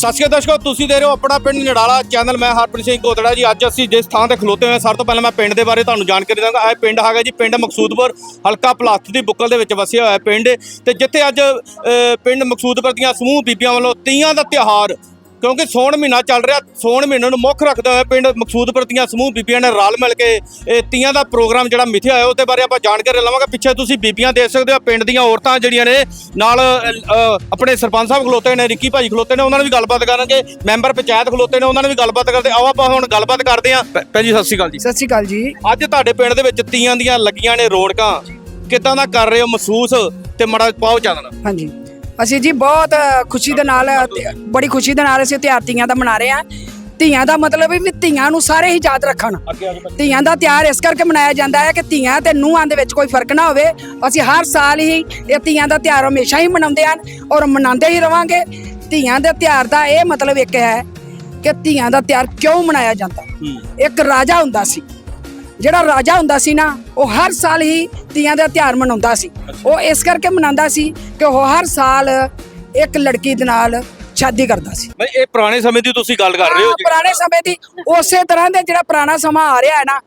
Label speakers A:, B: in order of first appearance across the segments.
A: ਸਤਿ ਸ਼੍ਰੀ ਅਕਾਲ ਦਰਸ਼ਕੋ, ਤੁਸੀਂ ਦੇਖ ਰਹੇ ਹੋ ਆਪਣਾ ਪਿੰਡ ਨੜਾਲਾ ਚੈਨਲ। ਮੈਂ ਹਰਪ੍ਰੀਤ ਸਿੰਘ ਕੋਤੜਾ ਜੀ। ਅੱਜ ਅਸੀਂ ਜਿਸ ਥਾਂ ਤੇ ਖਲੋਤੇ ਹੋਏ ਸਭ ਤੋਂ ਪਹਿਲਾਂ ਮੈਂ ਪਿੰਡ ਦੇ ਬਾਰੇ ਤੁਹਾਨੂੰ ਜਾਣਕਾਰੀ ਦਾਂਗਾ। ਇਹ ਪਿੰਡ ਹੈਗਾ ਜੀ ਪਿੰਡ ਮਕਸੂਦਪੁਰ, ਹਲਕਾ ਪਲਾਸਟ ਦੀ ਬੁੱਕਲ ਦੇ ਵਿੱਚ ਵਸਿਆ ਹੋਇਆ ਪਿੰਡ ਤੇ ਜਿੱਥੇ ਅੱਜ ਪਿੰਡ ਮਕਸੂਦਪੁਰ ਦੀਆਂ ਸਮੂਹ ਬੀਬੀਆਂ ਵੱਲੋਂ ਤੀਆਂ ਦਾ ਤਿਉਹਾਰ, ਕਿਉਂਕਿ ਸੌਣ ਮਹੀਨਾ ਚੱਲ ਰਿਹਾ, ਸੌਣ ਮਹੀਨੇ ਨੂੰ ਮੁੱਖ ਰੱਖਦੇ ਹੋਏ ਪਿੰਡ ਮਕਸੂਦਪੁਰ ਦੀਆਂ ਸਮੂਹ ਬੀਬੀਆਂ ਨੇ ਰਲ ਮਿਲ ਕੇ ਇਹ ਤੀਆਂ ਦਾ ਪ੍ਰੋਗਰਾਮ ਜਿਹੜਾ ਮਿਥਿਆ ਹੋਇਆ ਉਹਦੇ ਬਾਰੇ ਆਪਾਂ ਜਾਣਕਾਰੀ ਲਵਾਂਗੇ। ਪਿੱਛੇ ਤੁਸੀਂ ਬੀਬੀਆਂ ਦੇਖ ਸਕਦੇ ਹੋ, ਪਿੰਡ ਦੀਆਂ ਔਰਤਾਂ ਜਿਹੜੀਆਂ ਨੇ ਨਾਲ ਆਪਣੇ ਸਰਪੰਚ ਸਾਹਿਬ ਖਲੋਤੇ ਨੇ, ਰਿੱਕੀ ਭਾਜੀ ਖਲੋਤੇ ਨੇ, ਉਹਨਾਂ ਨਾਲ ਵੀ ਗੱਲਬਾਤ ਕਰਾਂਗੇ। ਮੈਂਬਰ ਪੰਚਾਇਤ ਖਲੋਤੇ ਨੇ, ਉਹਨਾਂ ਨਾਲ ਵੀ ਗੱਲਬਾਤ ਕਰਦੇ। ਆਓ ਆਪਾਂ ਹੁਣ ਗੱਲਬਾਤ ਕਰਦੇ ਹਾਂ। ਭੈਣ ਜੀ ਸਤਿ ਸ਼੍ਰੀ ਅਕਾਲ ਜੀ।
B: ਸਤਿ ਸ਼੍ਰੀ ਅਕਾਲ ਜੀ।
A: ਅੱਜ ਤੁਹਾਡੇ ਪਿੰਡ ਦੇ ਵਿੱਚ ਤੀਆਂ ਦੀਆਂ ਲੱਗੀਆਂ ਨੇ ਰੌਣਕਾਂ, ਕਿੱਦਾਂ ਦਾ ਕਰ ਰਹੇ ਹੋ ਮਹਿਸੂਸ ਤੇ ਮਾੜਾ ਪਾਓ ਚਾਨਣਾ।
B: ਹਾਂਜੀ, ਅਸੀਂ ਜੀ ਬਹੁਤ ਖੁਸ਼ੀ ਦੇ ਨਾਲ, ਬੜੀ ਖੁਸ਼ੀ ਦੇ ਨਾਲ ਅਸੀਂ ਤਿਉਹਾਰ ਤੀਆਂ ਦਾ ਮਨਾ ਰਹੇ ਹਾਂ। ਧੀਆਂ ਦਾ ਮਤਲਬ ਵੀ ਧੀਆਂ ਨੂੰ ਸਾਰੇ ਹੀ ਯਾਦ ਰੱਖਣ। ਧੀਆਂ ਦਾ ਤਿਉਹਾਰ ਇਸ ਕਰਕੇ ਮਨਾਇਆ ਜਾਂਦਾ ਹੈ ਕਿ ਧੀਆਂ ਤੇ ਨੂੰਹਾਂ ਦੇ ਵਿੱਚ ਕੋਈ ਫਰਕ ਨਾ ਹੋਵੇ। ਅਸੀਂ ਹਰ ਸਾਲ ਹੀ ਇਹ ਧੀਆਂ ਦਾ ਤਿਉਹਾਰ ਹਮੇਸ਼ਾ ਹੀ ਮਨਾਉਂਦੇ ਹਨ ਔਰ ਮਨਾਉਂਦੇ ਹੀ ਰਵਾਂਗੇ। ਧੀਆਂ ਦੇ ਤਿਉਹਾਰ ਦਾ ਇਹ ਮਤਲਬ ਇੱਕ ਹੈ ਕਿ ਧੀਆਂ ਦਾ ਤਿਉਹਾਰ ਕਿਉਂ ਮਨਾਇਆ ਜਾਂਦਾ। ਇੱਕ ਰਾਜਾ ਹੁੰਦਾ ਸੀ, ਜਿਹੜਾ ਰਾਜਾ ਹੁੰਦਾ ਸੀ ਨਾ, ਉਹ ਹਰ ਸਾਲ ਹੀ ਤੀਆਂ ਦਾ ਤਿਉਹਾਰ ਮਨਾਉਂਦਾ ਸੀ। ਉਹ ਇਸ ਕਰਕੇ ਮਨਾਉਂਦਾ ਸੀ ਕਿ ਉਹ ਹਰ ਸਾਲ ਇੱਕ ਲੜਕੀ ਦੇ ਨਾਲ ਸ਼ਾਦੀ ਕਰਦਾ ਸੀ।
A: ਬਈ ਇਹ ਪੁਰਾਣੇ ਸਮੇਂ ਦੀ ਤੁਸੀਂ ਗੱਲ ਕਰ ਰਹੇ ਹੋ ਜੀ।
B: ਪੁਰਾਣੇ ਸਮੇਂ ਦੀ ਉਸੇ ਤਰ੍ਹਾਂ ਦੇ ਜਿਹੜਾ ਪੁਰਾਣਾ ਸਮਾਂ ਆ ਰਿਹਾ ਹੈ ਨਾ,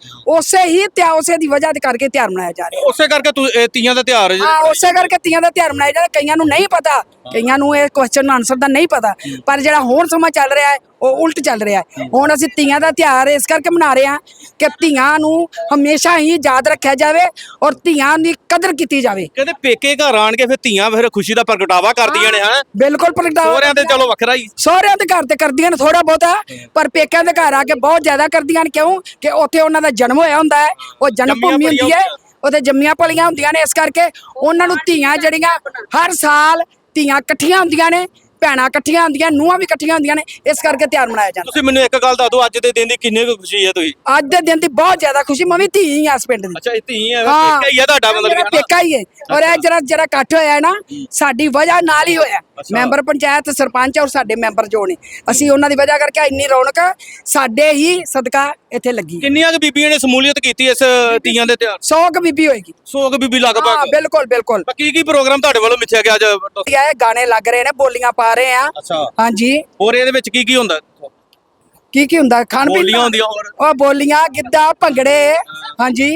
B: ਉਸੇ ਦੀ ਵਜ੍ਹਾ ਦੇ ਕਰਕੇ ਤਿਉਹਾਰ ਮਨਾਇਆ ਜਾ ਰਿਹਾ।
A: ਉਸੇ ਕਰਕੇ ਤੀਆਂ ਦਾ ਤਿਉਹਾਰ
B: ਉਸੇ ਕਰਕੇ ਤੀਆਂ ਦਾ ਤਿਉਹਾਰ ਮਨਾਇਆ ਜਾਂਦਾ। ਕਈਆਂ ਨੂੰ ਨਹੀਂ ਪਤਾ, ਕਈਆਂ ਨੂੰ ਇਹ ਕੁਐਸਚਨ ਆਨਸਰ ਦਾ ਨਹੀਂ ਪਤਾ, ਪਰ ਜਿਹੜਾ ਹੁਣ ਸਮਾਂ ਚੱਲ ਰਿਹਾ ਹੈ ਉਹ ਉਲਟ ਚੱਲ ਰਿਹਾ ਹੈ। ਹੁਣ ਅਸੀਂ ਤੀਆਂ ਦਾ ਤਿਉਹਾਰ ਇਸ ਕਰਕੇ ਮਨਾ ਰਹੇ ਹਾਂ ਕਿ ਧੀਆਂ ਨੂੰ ਹਮੇਸ਼ਾ ਹੀ ਯਾਦ ਰੱਖਿਆ ਜਾਵੇ ਔਰ ਧੀਆਂ ਦੀ ਕਦਰ ਕੀਤੀ ਜਾਵੇ।
A: ਕਹਿੰਦੇ ਪੇਕੇ ਘਰ ਆਣ ਕੇ ਫਿਰ ਧੀਆਂ ਫਿਰ ਖੁਸ਼ੀ ਦਾ ਪ੍ਰਗਟਾਵਾ ਕਰਦੀਆਂ ਨੇ। ਹਾਂ
B: ਬਿਲਕੁਲ ਪ੍ਰਗਟਾਵਾ।
A: ਸਹੁਰਿਆਂ ਤੇ ਚਲੋ ਵੱਖਰਾ ਹੀ,
B: ਸਹੁਰਿਆਂ ਦੇ ਘਰ ਤੇ ਕਰਦੀਆਂ ਨੇ ਥੋੜਾ ਬਹੁਤਾ, ਪਰ ਪੇਕਿਆਂ ਦੇ ਘਰ ਆ ਕੇ ਬਹੁਤ ਜ਼ਿਆਦਾ ਕਰਦੀਆਂ ਨੇ। ਕਿਉਂ ਕਿ ਉੱਥੇ ਉਹਨਾਂ ਦਾ ਜਨਮ ਹੋਇਆ ਹੁੰਦਾ ਹੈ, ਉਹ ਜਨਮ ਭੂਮੀ ਹੁੰਦੀ ਹੈ, ਉਹਦੇ ਜੰਮੀਆਂ ਪਲੀਆਂ ਹੁੰਦੀਆਂ ਨੇ। ਇਸ ਕਰਕੇ ਉਹਨਾਂ ਨੂੰ ਧੀਆਂ ਜਿਹੜੀਆਂ ਹਰ ਸਾਲ ਧੀਆਂ ਇਕੱਠੀਆਂ ਹੁੰਦੀਆਂ ਨੇ, ਭੈਣਾਂ ਇਕੱਠੀਆਂ ਹੁੰਦੀਆਂ, ਨੂੰਹਾਂ ਵੀ ਇਕੱਠੀਆਂ ਹੁੰਦੀਆਂ ਨੇ। ਇਸ ਕਰਕੇ ਤਿਉਹਾਰ ਮਨਾਇਆ ਜਾਂਦਾ।
A: ਤੁਸੀਂ ਮੈਨੂੰ ਇੱਕ ਗੱਲ ਦੱਸ ਦਿਓ, ਅੱਜ ਦੇ ਦਿਨ ਦੀ ਕਿੰਨੀ ਕੁ ਖੁਸ਼ੀ ਹੈ? ਤੁਸੀਂ
B: ਅੱਜ ਦੇ ਦਿਨ ਦੀ ਬਹੁਤ ਜ਼ਿਆਦਾ ਖੁਸ਼ੀ। ਮੈਂ ਵੀ ਧੀ ਹੀ ਆ ਇਸ ਪਿੰਡ ਦੀ।
A: ਅੱਛਾ, ਇਹ ਧੀ ਹੈ, ਪੇਕਾ ਹੀ ਹੈ ਤੁਹਾਡਾ ਮਤਲਬ?
B: ਪੇਕਾ ਹੀ ਹੈ। ਔਰ ਇਹ ਜਿਹੜਾ ਇਕੱਠ ਹੋਇਆ ਨਾ, ਸਾਡੀ ਵਜ੍ਹਾ ਨਾਲ ਹੀ ਹੋਇਆ। ਮੈਂਬਰ ਪੰਚਾਇਤ, ਸਰਪੰਚ ਔਰ ਸਾਡੇ ਮੈਂਬਰ ਜੋ ਨੇ, ਅਸੀਂ ਉਹਨਾਂ ਦੀ ਵਜ੍ਹਾ ਕਰਕੇ ਇੰਨੀ ਰੌਣਕ ਸਾਡੇ ਹੀ ਸਦਕਾ ਇੱਥੇ ਲੱਗੀ।
A: ਕਿੰਨੀਆਂ ਕੁ ਬੀਬੀਆਂ ਨੇ ਸ਼ਮੂਲੀਅਤ ਕੀਤੀ ਇਸ ਤੀਆਂ ਦੇ ਤਿਉਹਾਰ?
B: 100 ਕੁ ਬੀਬੀ ਹੋਏਗੀ।
A: 100 ਕੁ ਬੀਬੀ ਲਗਭਗ।
B: ਬਿਲਕੁਲ ਬਿਲਕੁਲ।
A: ਕੀ ਪ੍ਰੋਗਰਾਮ ਤੁਹਾਡੇ ਵੱਲੋਂ ਮਿੱਥਿਆ ਗਿਆ ਅੱਜ?
B: ਇਹ ਗਾਣੇ ਲੱਗ ਰਹੇ ਨੇ, ਬੋਲੀਆਂ ਪਾ ਰਹੇ ਆ।
A: ਅੱਛਾ,
B: ਹਾਂਜੀ।
A: ਹੋਰ ਇਹਦੇ ਵਿੱਚ ਕੀ ਹੁੰਦਾ?
B: ਕੀ ਹੁੰਦਾ? ਖਾਣ ਪੀਣ
A: ਬੋਲੀਆਂ ਹੁੰਦੀਆਂ ਹੋਰ?
B: ਉਹ ਬੋਲੀਆਂ, ਗਿੱਧਾ, ਭੰਗੜੇ। ਹਾਂਜੀ,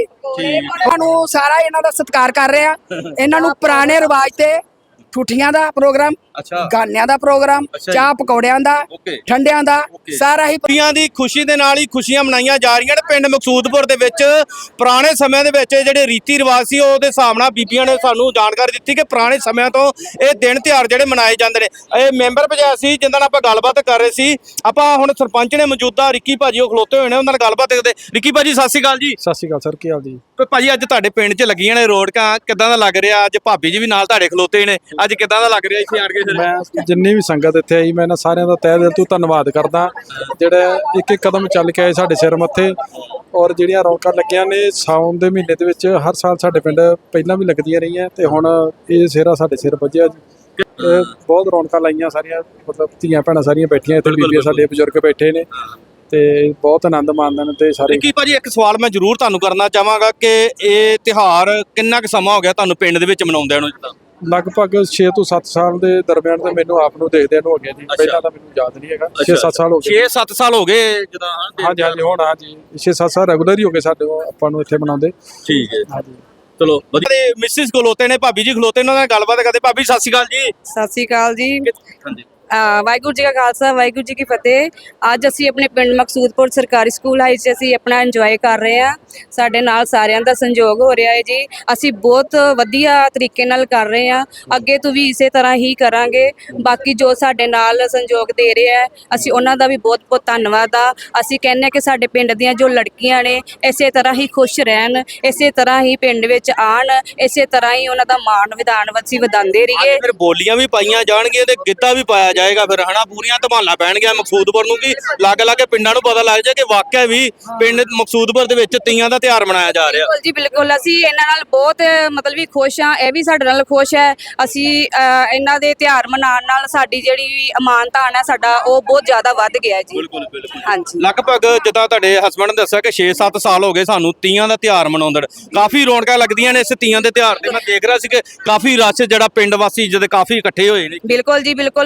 B: ਸਾਨੂੰ ਸਾਰਾ ਇਹਨਾਂ ਦਾ ਸਤਿਕਾਰ ਕਰ ਰਹੇ ਆ। ਇਹਨਾਂ ਨੂੰ ਪੁਰਾਣੇ ਰਿਵਾਜ ਤੇ ਠੂਠੀਆਂ ਦਾ ਪ੍ਰੋਗਰਾਮ, ਗਾਨਿਆਂ ਦਾ ਪ੍ਰੋਗਰਾਮ, ਚਾਹ ਪਕੌੜਿਆਂ ਦਾ, ਠੰਡਿਆਂ ਦਾ, ਸਾਰਾ ਹੀ
A: ਬੀਬੀਆਂ ਦੀ ਖੁਸ਼ੀ ਦੇ ਨਾਲ ਹੀ ਖੁਸ਼ੀਆਂ ਮਨਾਈਆਂ ਜਾ ਰਹੀਆਂ ਨੇ। ਪਿੰਡ ਮਕਸੂਦਪੁਰ ਦੇ ਵਿੱਚ ਪੁਰਾਣੇ ਸਮਿਆਂ ਦੇ ਵਿੱਚ ਜਿਹੜੇ ਰੀਤੀ ਰਿਵਾਜ ਸੀ, ਉਹਦੇ ਹਿਸਾਬ ਨਾਲ ਬੀਬੀਆਂ ਨੇ ਸਾਨੂੰ ਜਾਣਕਾਰੀ ਦਿੱਤੀ ਕਿ ਪੁਰਾਣੇ ਸਮਿਆਂ ਤੋਂ ਇਹ ਦਿਨ ਤਿਉਹਾਰ ਜਿਹੜੇ ਮਨਾਏ ਜਾਂਦੇ ਨੇ। ਇਹ ਮੈਂਬਰ ਪੰਚਾਇਤ ਸੀ ਜਿਨ੍ਹਾਂ ਨਾਲ ਆਪਾਂ ਗੱਲਬਾਤ ਕਰ ਰਹੇ ਸੀ। ਆਪਾਂ ਹੁਣ ਸਰਪੰਚ ਨੇ ਮੌਜੂਦਾ ਰਿੱਕੀ ਭਾਜੀ ਉਹ ਖਲੋਤੇ ਹੋਏ ਨੇ, ਉਹਨਾਂ ਨਾਲ ਗੱਲਬਾਤ ਕਰਦੇ। ਰਿੱਕੀ ਭਾਜੀ ਸਤਿ ਸ਼੍ਰੀ ਅਕਾਲ ਜੀ।
C: ਸਤਿ ਸ਼੍ਰੀ ਅਕਾਲ ਸਰ, ਕੀ ਹਾਲ ਜੀ?
A: ਭਾਜੀ ਅੱਜ ਤੁਹਾਡੇ ਪਿੰਡ 'ਚ ਲੱਗੀਆਂ ਨੇ ਰੌਣਕਾਂ, ਕਿੱਦਾਂ ਦਾ ਲੱਗ ਰਿਹਾ? ਅੱਜ ਭਾਬੀ ਜੀ ਵੀ ਨਾਲ ਤੁਹਾਡੇ ਖਲੋਤੇ ਨੇ, ਅੱਜ ਕਿੱਦਾਂ ਦਾ ਲੱਗ ਰਿਹਾ ਇੱਥੇ ਆਣ ਕੇ?
C: ਮੈਂ ਜਿੰਨੀ ਵੀ ਸੰਗਤ ਇੱਥੇ ਆਈ, ਮੈਂ ਇਹਨਾਂ ਸਾਰਿਆਂ ਦਾ ਤਹਿ ਦਿਲ ਤੋਂ ਧੰਨਵਾਦ ਕਰਦਾ, ਜਿਹੜਾ ਇੱਕ ਇੱਕ ਕਦਮ ਚੱਲ ਕੇ ਆਏ ਸਾਡੇ ਸਿਰ ਮੱਥੇ। ਔਰ ਜਿਹੜੀਆਂ ਰੌਣਕਾਂ ਲੱਗੀਆਂ ਨੇ ਸਾਉਣ ਦੇ ਮਹੀਨੇ ਦੇ ਵਿੱਚ, ਹਰ ਸਾਲ ਸਾਡੇ ਪਿੰਡ ਪਹਿਲਾਂ ਵੀ ਲੱਗਦੀਆਂ ਰਹੀਆਂ ਤੇ ਹੁਣ ਇਹ ਸਿਹਰਾ ਸਾਡੇ ਸਿਰ ਵੱਜਿਆ ਜੀ। ਬਹੁਤ ਰੌਣਕਾਂ ਲਾਈਆਂ ਸਾਰੀਆਂ, ਮਤਲਬ ਧੀਆਂ ਭੈਣਾਂ ਸਾਰੀਆਂ ਬੈਠੀਆਂ ਇੱਥੇ, ਬੀਬੀਆਂ ਸਾਡੇ ਬਜ਼ੁਰਗ ਬੈਠੇ ਨੇ ਤੇ ਬਹੁਤ ਆਨੰਦ ਮਾਣਦੇ ਨੇ। ਤੇ ਸਾਰੇ
A: ਕੀ ਭਾਜੀ ਇੱਕ ਸਵਾਲ ਮੈਂ ਜ਼ਰੂਰ ਤੁਹਾਨੂੰ ਕਰਨਾ ਚਾਹਾਂਗਾ ਕਿ ਇਹ ਤਿਉਹਾਰ ਕਿੰਨਾ ਕੁ ਸਮਾਂ ਹੋ ਗਿਆ ਤੁਹਾਨੂੰ ਪਿੰਡ ਦੇ ਵਿੱਚ ਮਨਾਉਂਦਿਆਂ ਨੂੰ?
C: ਲਗਭਗ 6 ਤੋਂ 7 ਸਾਲ ਦੇ ਦਰਮਿਆਨ ਤੇ ਮੈਨੂੰ ਆਪ ਨੂੰ ਦੇਖਦਿਆਂ ਨੂੰ ਹੋ ਗਿਆ ਜੀ। ਪਹਿਲਾਂ ਤਾਂ ਮੈਨੂੰ ਯਾਦ ਨਹੀਂ ਹੈਗਾ। 6-7 ਸਾਲ ਹੋ ਗਏ।
A: 6-7 ਸਾਲ ਹੋ ਗਏ ਜਦੋਂ?
C: ਹਾਂਜੀ ਹਾਂਜੀ, ਹੁਣ ਹਾਂਜੀ 6-7 ਸਾਲ ਰੈਗੂਲਰ ਹੀ ਹੋ ਗਏ ਸਾਡੇ ਆਪਾਂ ਨੂੰ ਇੱਥੇ ਮਨਾਉਂਦੇ।
A: ਠੀਕ ਹੈ,
C: ਹਾਂਜੀ
A: ਚਲੋ ਵਧੀਆ। ਮਿਸਿਸ ਖਲੋਤੇ ਨੇ, ਭਾਬੀ ਜੀ ਖਲੋਤੇ ਨੇ, ਉਹਨਾਂ ਨਾਲ ਗੱਲਬਾਤ ਕਰਦੇ। ਭਾਬੀ ਸਤਿ ਸ਼੍ਰੀ ਅਕਾਲ ਜੀ।
D: ਸਤਿ ਸ਼੍ਰੀ ਅਕਾਲ ਜੀ।
A: ਹਾਂਜੀ,
D: ਵਾਹਿਗੁਰੂ ਜੀ ਕਾ ਖਾਲਸਾ, ਵਾਹਿਗੁਰੂ ਜੀ ਕੀ ਫਤਿਹ। ਅੱਜ ਅਸੀਂ ਆਪਣੇ ਪਿੰਡ ਮਕਸੂਦਪੁਰ ਸਰਕਾਰੀ ਸਕੂਲ ਹਾਈ 'ਚ ਅਸੀਂ ਆਪਣਾ ਇੰਜੋਏ ਕਰ ਰਹੇ ਹਾਂ। ਸਾਡੇ ਨਾਲ ਸਾਰਿਆਂ ਦਾ ਸੰਯੋਗ ਹੋ ਰਿਹਾ ਹੈ ਜੀ। ਅਸੀਂ ਬਹੁਤ ਵਧੀਆ ਤਰੀਕੇ ਨਾਲ ਕਰ ਰਹੇ ਹਾਂ, ਅੱਗੇ ਤੋਂ ਵੀ ਇਸੇ ਤਰ੍ਹਾਂ ਹੀ ਕਰਾਂਗੇ। ਬਾਕੀ ਜੋ ਸਾਡੇ ਨਾਲ ਸੰਯੋਗ ਦੇ ਰਹੇ ਹੈ, ਅਸੀਂ ਉਹਨਾਂ ਦਾ ਵੀ ਬਹੁਤ ਬਹੁਤ ਧੰਨਵਾਦ ਆ। ਅਸੀਂ ਕਹਿੰਦੇ ਹਾਂ ਕਿ ਸਾਡੇ ਪਿੰਡ ਦੀਆਂ ਜੋ ਲੜਕੀਆਂ ਨੇ ਇਸੇ ਤਰ੍ਹਾਂ ਹੀ ਖੁਸ਼ ਰਹਿਣ, ਇਸੇ ਤਰ੍ਹਾਂ ਹੀ ਪਿੰਡ ਵਿੱਚ ਆਉਣ, ਇਸੇ ਤਰ੍ਹਾਂ ਹੀ ਉਹਨਾਂ ਦਾ ਮਾਣ ਵਿਧਾਨ ਅਸੀਂ ਵਧਾਉਂਦੇ ਰਹੀਏ।
A: ਫਿਰ ਬੋਲੀਆਂ ਵੀ ਪਾਈਆਂ ਜਾਣਗੀਆਂ ਤੇ ਗਿੱਧਾ ਵੀ ਪਾਇਆ ਜਾਏਗਾ ਫਿਰ, ਹਨਾ? ਪੂਰੀਆਂ ਧਮਾਲਾਂ ਪੈਣਗੀਆਂ ਮਕਸੂਦਪੁਰ ਨੂੰ, ਕਿ ਲਾਗੇ ਲਾਗੇ ਪਿੰਡਾਂ ਨੂੰ ਪਤਾ ਲੱਗ ਜਾਏ ਕਿ ਵਾਕਿਆ ਵੀ ਪਿੰਡ ਮਕਸੂਦਪੁਰ ਦੇ ਵਿੱਚ ਤੀਆਂ ਦਾ ਤਿਉਹਾਰ ਮਨਾਇਆ ਜਾ ਰਿਹਾ।
D: ਬਿਲਕੁਲ ਜੀ, ਬਿਲਕੁਲ। ਅਸੀਂ ਇਹਨਾਂ ਨਾਲ ਬਹੁਤ ਮਤਲਬ ਵੀ ਖੁਸ਼ ਹਾਂ, ਇਹ ਵੀ ਸਾਡੇ ਨਾਲ ਖੁਸ਼ ਹੈ। ਅਸੀਂ ਇਹਨਾਂ ਦੇ ਤਿਉਹਾਰ ਮਨਾਉਣ ਨਾਲ ਸਾਡੀ ਜਿਹੜੀ ਅਮਾਨਤਾਨ ਹੈ ਸਾਡਾ, ਉਹ ਬਹੁਤ ਜ਼ਿਆਦਾ ਵੱਧ ਗਿਆ ਜੀ।
A: ਬਿਲਕੁਲ ਬਿਲਕੁਲ।
D: ਹਾਂਜੀ,
A: ਲਗਭਗ ਜਿੱਦਾਂ ਤੁਹਾਡੇ ਹਸਬੰਡ ਨੇ ਦੱਸਿਆ ਕਿ 6-7 ਸਾਲ ਹੋ ਗਏ ਸਾਨੂੰ ਤੀਆਂ ਦਾ ਤਿਉਹਾਰ ਮਨਾਉਂਦੇ। ਕਾਫੀ ਰੌਣਕਾਂ ਲੱਗਦੀਆਂ ਨੇ ਇਸ ਤੀਆਂ ਦੇ ਤਿਉਹਾਰ ਤੇ। ਮੈਂ ਦੇਖ ਰਿਹਾ ਸੀ ਕਿ ਕਾਫੀ ਰਸ਼ ਜਿਹੜਾ ਪਿੰਡ ਵਾਸੀ ਜਦ ਕਾਫੀ ਇਕੱਠੇ ਹੋਏ ਨੇ।
D: ਬਿਲਕੁਲ ਜੀ, ਬਿਲਕੁਲ। ਬਹੁਤ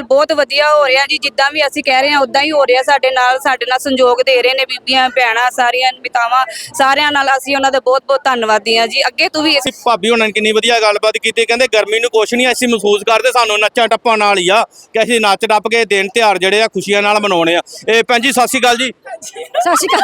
D: ਵਧੀਆ ਹੋ ਰਿਹਾ ਜੀ, ਜਿੱਦਾਂ ਵੀ ਅਸੀਂ ਕਹਿ ਰਹੇ ਹਾਂ ਉਦਾਂ ਹੀ ਹੋ ਰਿਹਾ। ਸਾਡੇ ਨਾਲ ਸੰਯੋਗ ਦੇ ਰਹੇ ਨੇ ਬੀਬੀਆਂ ਭੈਣਾਂ, ਸਾਰੀਆਂ ਮਿਤਾਵਾਂ, ਸਾਰਿਆਂ ਨਾਲ ਅਸੀਂ ਉਹਨਾਂ ਦਾ ਬਹੁਤ ਬਹੁਤ ਧੰਨਵਾਦੀ ਹਾਂ ਜੀ। ਅੱਗੇ ਤੋਂ ਵੀ
A: ਅਸੀਂ ਭਾਬੀ ਉਹਨਾਂ ਨੇ ਕਿੰਨੀ ਵਧੀਆ ਗੱਲਬਾਤ ਕੀਤੀ, ਕਹਿੰਦੇ ਗਰਮੀ ਨੂੰ ਕੁਛ ਨਹੀਂ ਅਸੀਂ ਮਹਿਸੂਸ ਕਰਦੇ, ਸਾਨੂੰ ਨੱਚਾਂ ਟੱਪਾਂ ਨਾਲ ਹੀ ਆ ਕਿ ਅਸੀਂ ਨੱਚ ਟੱਪ ਕੇ ਦਿਨ ਤਿਉਹਾਰ ਜਿਹੜੇ ਆ ਖੁਸ਼ੀਆਂ ਨਾਲ ਮਨਾਉਣੇ ਆ। ਇਹ ਭੈਣ ਜੀ ਸਤਿ ਸ਼੍ਰੀ ਅਕਾਲ ਜੀ।
E: ਸਤਿ ਸ਼੍ਰੀ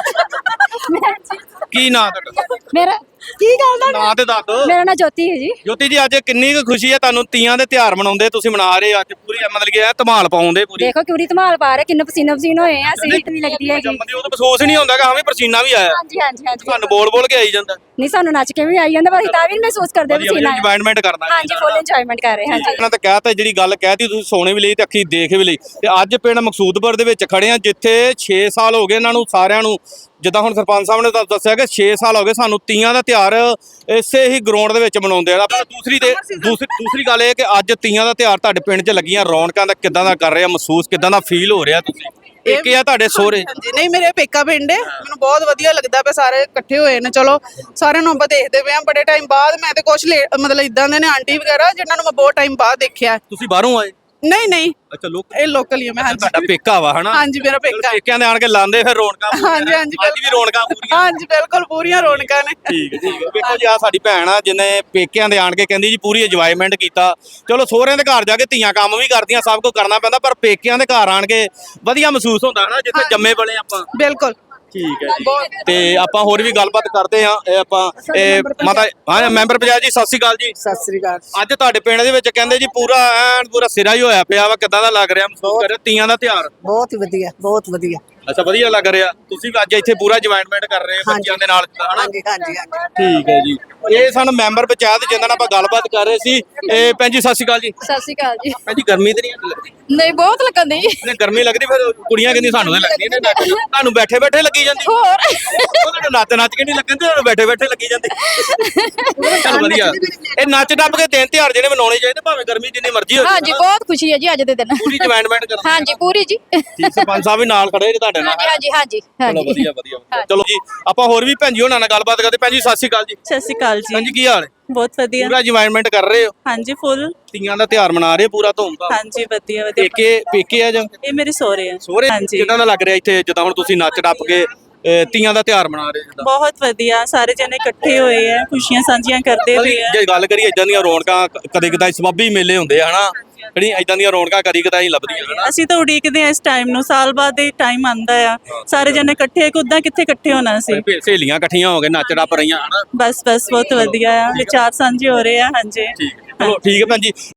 E: ਅਕਾਲ।
A: ਕੀ ਨਾਂ ਤੁਹਾਡਾ?
E: ਮੇਰਾ ਕੀ ਗੱਲ ਦਾ
A: ਨਾਂ ਤੇ ਦੱਸ ਦਿਓ।
E: ਮੇਰਾ ਨਾਂ ਜੋਤੀ ਹੈ ਜੀ।
A: ਜੋਤੀ ਜੀ ਅੱਜ ਕਿੰਨੀ ਕੁ ਖੁਸ਼ੀ ਹੈ ਤੁਹਾਨੂੰ, ਤੀਆਂ ਦੇ ਤਿਉਹਾਰ ਮਨਾਉਂਦੇ ਤੁਸੀਂ ਮਨਾ ਰਹੇ ਹੋ ਅੱਜ ਪੂਰੀ, ਮਤਲਬ ਕਿ ਇਹ ਧਮਾਲ ਪਾਉਂਦੇ ਪੂਰੀ।
E: ਦੇਖੋ ਕਿਉਰੀ ਧਮਾਲ ਪਾ ਰਹੇ, ਕਿੰਨੇ ਪਸੀਨੋ ਪਸੀਨ ਹੋਏ ਆ, ਸੀਟ ਨਹੀਂ ਲੱਗਦੀ ਹੈਗੀ।
A: ਜੰਮਦੀ ਉਹ ਤਾਂ ਮਹਿਸੂਸ ਹੀ ਨਹੀਂ ਹੁੰਦਾ ਕਿ ਹਾਂ ਵੀ ਪਸੀਨਾ ਵੀ ਆਇਆ,
E: ਹਾਂਜੀ ਹਾਂਜੀ ਹਾਂਜੀ।
A: ਤੁਹਾਨੂੰ ਬੋਲ ਕੇ ਆਈ ਜਾਂਦਾ।
E: ਨਹੀਂ ਸਾਨੂੰ ਨੱਚ ਕੇ ਵੀ ਆਈ ਜਾਂਦਾ, ਪਰ ਅਸੀਂ ਤਾਂ ਵੀ ਨੀ ਮਹਿਸੂਸ ਕਰਦੇ ਪਸੀਨਾ ਆਇਆ।
A: ਇੰਜੋਇਮੈਂਟ ਕਰਨਾ
E: ਹਾਂਜੀ ਫੁੱਲ ਇੰਜੋਇਮੈਂਟ ਕਰ ਰਹੇ ਹਾਂ ਹਾਂਜੀ।
A: ਇਹਨਾਂ ਤਾਂ ਕਹਿਤਾ ਜਿਹੜੀ ਗੱਲ ਕਹਿਤੀ ਤੁਸੀਂ ਸੋਨੇ ਵੀ ਲਈ ਤੇ ਅੱਖੀ ਦੇਖ ਵੀ ਲਈ। ਤੇ ਅੱਜ ਪਿੰਡ ਮਕਸੂਦਪੁਰ ਦੇ ਵਿੱਚ ਖੜੇ ਆ ਜਿੱਥੇ 6 ਸਾਲ ਹੋ ਗਏ ਇਹਨਾਂ ਨੂੰ ਸਾਰਿਆਂ ਨੂੰ, ਜਿੱਦਾਂ ਹੁਣ ਸਰਪੰਚ ਸਾਹਿਬ ਨੇ ਦੱਸਿਆ ਕਿ 6 ਸਾਲ ਹੋ ਗਏ ਸਾਨੂੰ ਤੀਆਂ ਦਾ ਤਿਉਹਾਰ ਇਸੇ ਹੀ ਗਰਾਊਂਡ ਦੇ ਵਿੱਚ ਮਨਾਉਂਦੇ ਆ। ਆਪਾਂ ਦੂਸਰੀ ਗੱਲ ਇਹ ਕਿ ਅੱਜ ਤੀਆਂ ਦਾ ਤਿਉਹਾਰ ਤੁਹਾਡੇ ਪਿੰਡ 'ਚ ਲੱਗੀਆਂ ਰੌਣਕਾਂ ਦਾ ਕਿੱਦਾਂ ਦਾ ਕਰ ਰਿਹਾ ਮਹਿਸੂਸ, ਕਿੱਦਾਂ ਦਾ ਫੀਲ ਹੋ ਰਿਹਾ ਤੁਸੀਂ? ਪੇਕੇ ਆ ਤੁਹਾਡੇ ਸਹੁਰੇ?
F: ਹਾਂਜੀ ਨਹੀਂ ਮੇਰੇ ਪੇਕਾ ਪਿੰਡ ਹੈ, ਮੈਨੂੰ ਬਹੁਤ ਵਧੀਆ ਲੱਗਦਾ ਪਿਆ, ਸਾਰੇ ਇਕੱਠੇ ਹੋਏ ਨੇ। ਚਲੋ ਸਾਰਿਆਂ ਨੂੰ ਆਪਾਂ ਦੇਖਦੇ ਪਏ ਆ ਬੜੇ ਟਾਈਮ ਬਾਅਦ। ਮੈਂ ਤੇ ਕੁਛ ਮਤਲਬ ਇਦਾਂ ਦੇ ਨੇ ਆਂਟੀ ਵਗੈਰਾ ਜਿਨ੍ਹਾਂ ਨੂੰ ਮੈਂ ਬਹੁਤ ਟਾਈਮ ਬਾਅਦ ਦੇਖਿਆ।
A: ਤੁਸੀਂ ਬਾਹਰੋਂ ਆਏ?
F: ਨਹੀਂ
A: ਅੱਛਾ ਲੋਕ
F: ਇਹ ਲੋਕਲ ਹੀ ਆ ਮੈਂ। ਹਾਂਜੀ
A: ਤੁਹਾਡਾ ਪੇਕਾ ਵਾ ਹਨਾ?
F: ਹਾਂਜੀ ਮੇਰਾ ਪੇਕਾ।
A: ਪੇਕਿਆਂ ਦੇ ਆਣ ਕੇ ਲਾਉਂਦੇ ਫਿਰ ਰੌਣਕਾਂ ਪੂਰੀਆਂ।
F: ਹਾਂਜੀ ਹਾਂਜੀ
A: ਅੱਜ ਵੀ ਰੌਣਕਾਂ ਪੂਰੀਆਂ?
F: ਹਾਂਜੀ ਬਿਲਕੁਲ ਪੂਰੀਆਂ ਰੌਣਕਾਂ ਨੇ।
A: ਠੀਕ ਹੈ ਵੇਖੋ ਜੀ ਆ ਸਾਡੀ ਭੈਣ ਆ ਜਿਹਨੇ ਪੇਕਿਆਂ ਦੇ ਆਣ ਕੇ ਕਹਿੰਦੀ ਜੀ ਪੂਰੀ ਇੰਜੋਇਮੈਂਟ ਕੀਤਾ। ਚਲੋ ਸਹੁਰਿਆਂ ਦੇ ਘਰ ਜਾ ਕੇ ਧੀਆਂ ਕੰਮ ਵੀ ਕਰਦੀਆਂ, ਸਭ ਕੁਝ ਕਰਨਾ ਪੈਂਦਾ, ਪਰ ਪੇਕਿਆਂ ਦੇ ਘਰ ਆਣ ਕੇ ਵਧੀਆ ਮਹਿਸੂਸ ਹੁੰਦਾ ਹਨਾ, ਜਿੱਥੇ ਜੰਮੇ ਪਲੇ ਆਪਾਂ।
F: ਬਿਲਕੁਲ
A: ਠੀਕ ਹੈ ਜੀ। ਤੇ ਆਪਾਂ ਹੋਰ ਵੀ ਗੱਲਬਾਤ ਕਰਦੇ ਹਾਂ। ਇਹ ਆਪਾਂ ਮਾਤਾ ਹਾਂ ਮੈਂਬਰ ਪੰਚਾਇਤ ਜੀ ਸਤਿ ਸ਼੍ਰੀ ਅਕਾਲ ਜੀ।
F: ਸਤਿ ਸ੍ਰੀ ਅਕਾਲ।
A: ਅੱਜ ਤੁਹਾਡੇ ਪਿੰਡ ਦੇ ਵਿੱਚ ਕਹਿੰਦੇ ਜੀ ਪੂਰਾ ਐਨ ਪੂਰਾ ਸਿਰਾ ਹੀ ਹੋਇਆ ਪਿਆ ਵਾ, ਕਿੱਦਾਂ ਦਾ ਲੱਗ ਰਿਹਾ ਮਹਿਸੂਸ ਕਰ ਰਿਹਾ ਤੀਆਂ ਦਾ ਤਿਉਹਾਰ?
F: ਬਹੁਤ ਹੀ ਵਧੀਆ, ਬਹੁਤ ਵਧੀਆ।
A: ਅੱਛਾ ਵਧੀਆ ਲੱਗ ਰਿਹਾ। ਤੁਸੀਂ ਵੀ ਅੱਜ ਇੱਥੇ ਪੂਰਾ ਇੰਜੋਇਮੈਂਟ ਕਰ ਰਹੇ ਹੋ ਬੱਚਿਆਂ ਦੇ ਨਾਲ ਹਨਾ?
F: ਹਾਂਜੀ ਹਾਂਜੀ ਹਾਂਜੀ।
A: ਠੀਕ ਹੈ ਜੀ। ਇਹ ਸਾਨੂੰ ਮੈਂਬਰ ਪੰਚਾਇਤ ਜਿਨ੍ਹਾਂ ਨਾਲ ਆਪਾਂ ਗੱਲਬਾਤ ਕਰ ਰਹੇ ਸੀ। ਇਹ ਭੈਣ ਜੀ ਸਤਿ ਸ਼੍ਰੀ ਅਕਾਲ ਜੀ।
E: ਸਤਿ ਸ਼੍ਰੀ ਅਕਾਲ ਜੀ।
A: ਭੈਣ ਜੀ ਗਰਮੀ ਤੇ ਨਹੀਂ ਲੱਗਦੀ?
E: ਨਹੀਂ ਬਹੁਤ ਲੱਗਣ ਦੀ।
A: ਨਹੀਂ ਗਰਮੀ ਲੱਗਦੀ ਫਿਰ ਕੁੜੀਆਂ ਕਹਿੰਦੀ ਸਾਨੂੰ ਤਾਂ ਲੱਗਦੀ ਨੇ, ਤੁਹਾਨੂੰ ਬੈਠੇ ਬੈਠੇ ਲੱਗੀ ਜਾਂਦੀ।
E: ਹੋਰ
A: ਤੁਹਾਨੂੰ ਨੱਚ ਕੇ ਨਹੀਂ ਲੱਗਣ ਤੇ ਤੁਹਾਨੂੰ ਬੈਠੇ ਬੈਠੇ ਲੱਗੀ ਜਾਂਦੀ। ਚਲ ਵਧੀਆ। ਇਹ ਨੱਚ ਟੱਪ ਕੇ ਦਿਨ ਤਿਉਹਾਰ ਜਿਹੜੇ ਮਨਾਉਣੇ ਚਾਹੀਦੇ ਭਾਵੇਂ ਗਰਮੀ ਜਿੰਨੀ ਮਰਜ਼ੀ ਹੋ ਜਾਵੇ।
E: ਹਾਂਜੀ ਬਹੁਤ ਖੁਸ਼ੀ ਹੈ ਜੀ ਅੱਜ ਦੇ ਦਿਨ।
A: ਪੂਰੀ ਇੰਜੋਇਮੈਂਟ ਕਰਨੀ।
E: ਹਾਂਜੀ ਪੂਰੀ ਜੀ।
A: ਠੀਕ ਸਰਪੰਚ ਸਾਹਿਬ ਵੀ ਨਾਲ ਖੜੇ ਨੇ ਤੁਹਾਡੇ ਨਾਲ।
E: ਹਾਂਜੀ ਹਾਂਜੀ
A: ਚਲੋ ਵਧੀਆ ਵਧੀਆ। ਚਲੋ ਜੀ ਆਪਾਂ ਹੋਰ ਵੀ ਭੈਣ ਜੀ ਉਹਨਾਂ ਨਾਲ ਗੱਲਬਾਤ ਕਰਦੇ। ਭੈਣ ਜੀ ਸਤਿ ਸ਼੍ਰੀ ਅਕਾਲ ਜੀ।
G: ਸਤਿ ਸ਼੍ਰੀ ਅਕਾਲ ਜੀ।
A: ਭੈਣ ਜੀ ਕੀ ਹਾਲ ਹੈ?
G: ਬਹੁਤ ਵਧੀਆ।
A: ਪੂਰਾ ਇੰਜੋਇਮੈਂਟ ਕਰ ਰਹੇ ਹੋ?
G: ਹਾਂਜੀ ਫੁੱਲ।
A: ਤੀਆਂ ਦਾ ਤਿਉਹਾਰ ਮਨਾ ਰਹੇ ਪੂਰਾ ਧੂਮਧਾਮ?
G: ਹਾਂਜੀ ਵਧੀਆ ਵਧੀਆ।
A: ਪੇਕੇ ਆ ਜਾਂ
G: ਇਹ ਮੇਰੇ ਸਹੁਰੇ ਆ।
A: ਸਹੁਰੇ?
G: ਹਾਂਜੀ
A: ਕਿੱਦਾਂ ਦਾ ਲੱਗ ਰਿਹਾ ਇੱਥੇ ਜਿੱਦਾਂ ਹੁਣ ਤੁਸੀਂ ਨੱਚ ਟੱਪ ਕੇ ਤੀਆਂ ਦਾ ਤਿਉਹਾਰ ਮਨਾ ਰਹੇ ਜਿੱਦਾਂ?
G: ਬਹੁਤ ਵਧੀਆ, ਸਾਰੇ ਜਣੇ ਇਕੱਠੇ ਹੋਏ ਆ, ਖੁਸ਼ੀਆਂ ਸਾਂਝੀਆਂ ਕਰਦੇ ਪਏ ਆ।
A: ਜੇ ਗੱਲ ਕਰੀਏ ਇਦਾਂ ਦੀਆਂ ਰੌਣਕਾਂ ਕਦੇ ਕਦਾਈ ਸਬੱਬੀ ਮੇਲੇ ਹੁੰਦੇ ਆ ਹਨਾ, ਜਿਹੜੀ ਇਦਾਂ ਦੀਆਂ ਰੌਣਕਾਂ ਕਦੀ ਕਦਾਈ ਲੱਭਦੀਆਂ ਹਨਾ।
G: ਅਸੀਂ ਤਾਂ ਉਡੀਕਦੇ ਆ ਇਸ ਟਾਈਮ ਨੂੰ, ਸਾਲ ਬਾਅਦ ਇਹ ਟਾਈਮ ਆਂਦਾ ਆ, ਸਾਰੇ ਜਣੇ ਇਕੱਠੇ, ਉਦਾਂ ਕਿੱਥੇ ਇਕੱਠੇ ਹੋਣਾ ਸੀ।
A: ਸਹੇਲੀਆਂ ਇਕੱਠੀਆਂ ਹੋ ਕੇ ਨੱਚ ਟੱਪ ਰਹੀਆਂ ਹਨਾ।
G: ਬਸ ਬਹੁਤ ਵਧੀਆ ਆ, ਵਿਚਾਰ ਸਾਂਝੇ ਹੋ ਰਹੇ ਆ। ਹਾਂਜੀ
A: ਠੀਕ ਚਲੋ ਠੀਕ ਹੈ ਭੈਣ ਜੀ।